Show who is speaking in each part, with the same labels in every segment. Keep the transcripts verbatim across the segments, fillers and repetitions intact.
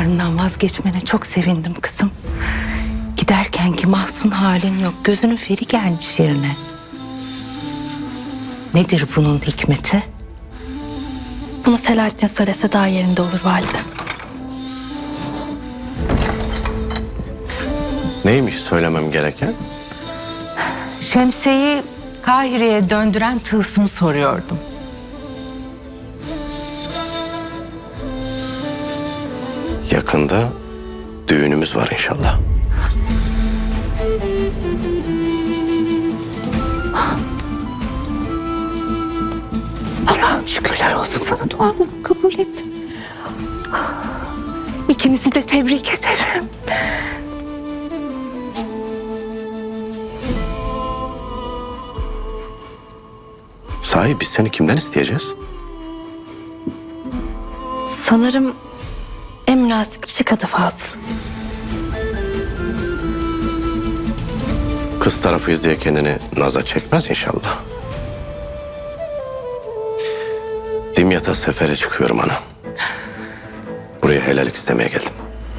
Speaker 1: kararından vazgeçmene çok sevindim kızım. Giderken ki mahzun halin yok. Gözünün feri gelmiş yerine. Nedir bunun hikmeti?
Speaker 2: Bunu Selahattin söylese daha yerinde olur valide.
Speaker 3: Neymiş söylemem gereken?
Speaker 1: Şemsiye'yi Kahire'ye döndüren tılsımı soruyordum.
Speaker 3: Yakında düğünümüz var inşallah.
Speaker 1: Allah'ım şükürler olsun, sana duamı kabul ettim. İkinizi de tebrik ederim.
Speaker 3: Sahi biz seni kimden isteyeceğiz?
Speaker 2: Sanırım en münasip kişi Kadı Fazıl.
Speaker 3: Kız tarafıyız diye kendini naza çekmez inşallah. Dimyat'a sefere çıkıyorum ana. Buraya helallik istemeye geldim.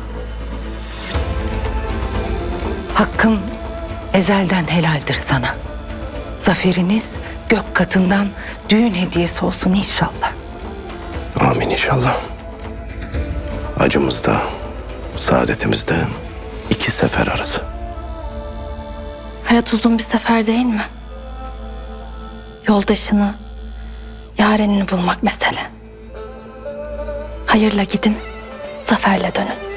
Speaker 1: Hakkım ezelden helaldir sana. Zaferiniz gök katından düğün hediyesi olsun inşallah.
Speaker 3: Amin inşallah. Acımızda, saadetimizde iki sefer arası.
Speaker 2: Hayat uzun bir sefer değil mi? Yoldaşını, yarenini bulmak mesele. Hayırla gidin, zaferle dönün.